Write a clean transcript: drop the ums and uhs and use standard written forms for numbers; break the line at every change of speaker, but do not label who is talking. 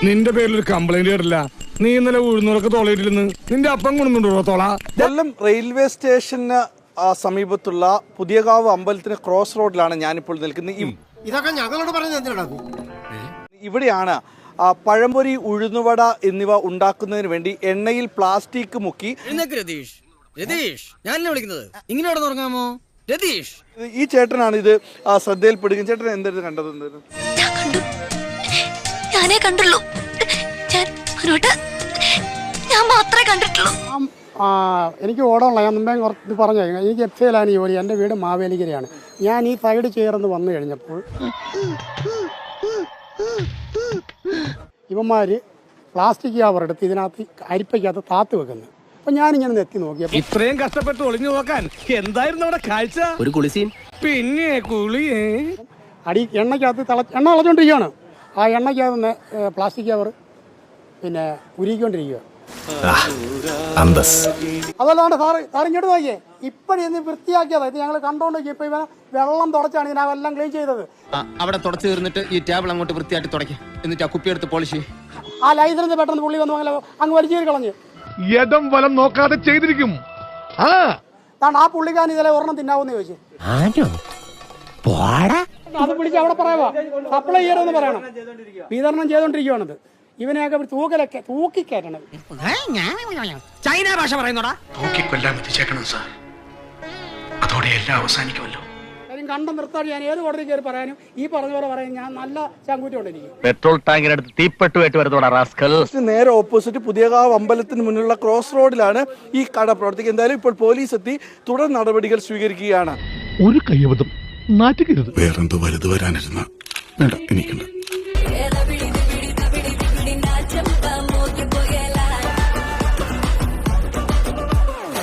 നിന്റെ പേരിൽ ഒരു കംപ്ലൈന്റ് കേട്ടില്ല. നീ ഇന്നലെ ഉഴുന്നൂറൊക്കെ തോളയിട്ടില്ലെന്ന് നിന്റെ അപ്പം കൊണ്ടുണ്ടോ തോള?
കൊല്ലം റെയിൽവേ സ്റ്റേഷന് സമീപത്തുള്ള പുതിയകാവ് അമ്പലത്തിന് ക്രോസ് റോഡിലാണ് ഞാനിപ്പോൾ നിൽക്കുന്നത്.
ഇതൊക്കെ ഞങ്ങളോട് പറഞ്ഞ
ഇവിടെയാണ് പഴംപൊരി, ഉഴുന്നുവട എന്നിവ ഉണ്ടാക്കുന്നതിന് വേണ്ടി എണ്ണയിൽ പ്ലാസ്റ്റിക് മുക്കി. ഈ ചേട്ടനാണ് ഇത് ശ്രദ്ധയിൽപ്പെടുകയും. ചേട്ടൻ എന്തായിരുന്നു കണ്ടത്?
ഞാനേ കണ്ടുള്ളൂ. ഞാൻ മാത്രമേ കണ്ടിട്ടുള്ളൂ.
എനിക്ക് ഓടമുള്ള ഞാൻ മുമ്പേ കുറച്ച് പറഞ്ഞു. എനിക്ക് എഫ്സയിലാണ് ജോലി. എൻ്റെ വീട് മാവേലിക്കരയാണ്. ഞാൻ ഈ സൈഡ് ചേർന്ന് വന്നു കഴിഞ്ഞപ്പോൾ ഇവന്മാര് പ്ലാസ്റ്റിക് കവറെടുത്ത് ഇതിനകത്ത് അരിപ്പയ്ക്കകത്ത് താത്ത് വെക്കുന്നു. അപ്പൊ ഞാനിങ്ങനെ നെത്തി നോക്കിയപ്പോൾ
ഇത്രയും കഷ്ടപ്പെട്ട് ഒളിഞ്ഞു നോക്കാൻ എന്തായിരുന്നു അവിടെ കാഴ്ച?
ഒരു കുളിസീൻ.
പിന്നെ കുളിയേ
അടി എണ്ണയ്ക്കകത്ത് എണ്ണ തിളച്ചോണ്ടിരിക്കുകയാണ്. ആ എണ്ണയ്ക്കകത്ത് പ്ലാസ്റ്റിക് കവർ പിന്നെ ഉരുക്കിക്കൊണ്ടിരിക്കുക. അതല്ലാണ്ട് സാർ ഇങ്ങോട്ട് നോക്കിയേ. ഇപ്പഴേ വൃത്തിയാക്കിയതാ. ഇത് ഞങ്ങൾ കണ്ടോണ്ട് ഇപ്പൊ ഇവ വെള്ളം തുടച്ചാണ് ഇതിനെല്ലാം ക്ലീൻ ചെയ്തത്.
അവിടെ തുടച്ചു തീർന്നിട്ട് ഈ ടേബിൾ അങ്ങോട്ട് വൃത്തിയായിട്ട് തുടയ്ക്കും. എന്നിട്ട് ആ കുപ്പി എടുത്ത് പോളിഷ്.
ആ ലൈസൻസ് പെട്ടെന്ന് പുള്ളി വന്നു അങ്ങ് വലിച്ചു കളഞ്ഞ്
യഥം വലം നോക്കാതെ ചെയ്തിരിക്കും.
ആ പുള്ളിക്കാരൻ ഇതിലെ ഒരെണ്ണം തിന്നാവെന്ന് ചോദിച്ചു. അത് വിളിച്ച് അവിടെ പറയാ സപ്ലൈ ചെയ്യണമെന്ന് പറയണം. വിതരണം ചെയ്തോണ്ടിരിക്കുകയാണത്. ഇവനെയൊക്കെ തൂക്കലൊക്കെ തൂക്കിക്കയറ്റണം.
ചൈന ഭാഷ പറയുന്നോടാ.
തൂക്കിക്കൊല്ലാൻ എത്തിച്ചേക്കണം സാർ. അതോടെ എല്ലാം അവസാനിക്കുമല്ലോ.
കാര്യം കണ്ടം നിർത്താൻ ഞാൻ ഏത് കോടതി കയറി പറയാനും ഈ പറഞ്ഞ പോലെ പറയാൻ ഞാൻ നല്ല ചങ്കൂറ്റം ഉണ്ടെനിക്ക്.
പെട്രോൾ ടാങ്കിനടുത്ത് തീപ്പെട്ടുമായിട്ട് വരുന്നോടാ റാസ്കൽ.
നേരെ ഓപ്പോസിറ്റ് പുതിയകാവ് അമ്പലത്തിന് മുന്നിലുള്ള ക്രോസ് റോഡിലാണ് ഈ കട പ്രവർത്തിക്കുന്നത്. എന്തായാലും ഇപ്പോൾ പോലീസ് എത്തി തുടർ നടപടികൾ സ്വീകരിക്കുകയാണ്.
ഒരു കയ്യബദ്ധം നാറ്റുകരുത്.
വേറെന്തോ വലുത് വരാനിരുന്ന വേണ്ട എനിക്കുണ്ട്.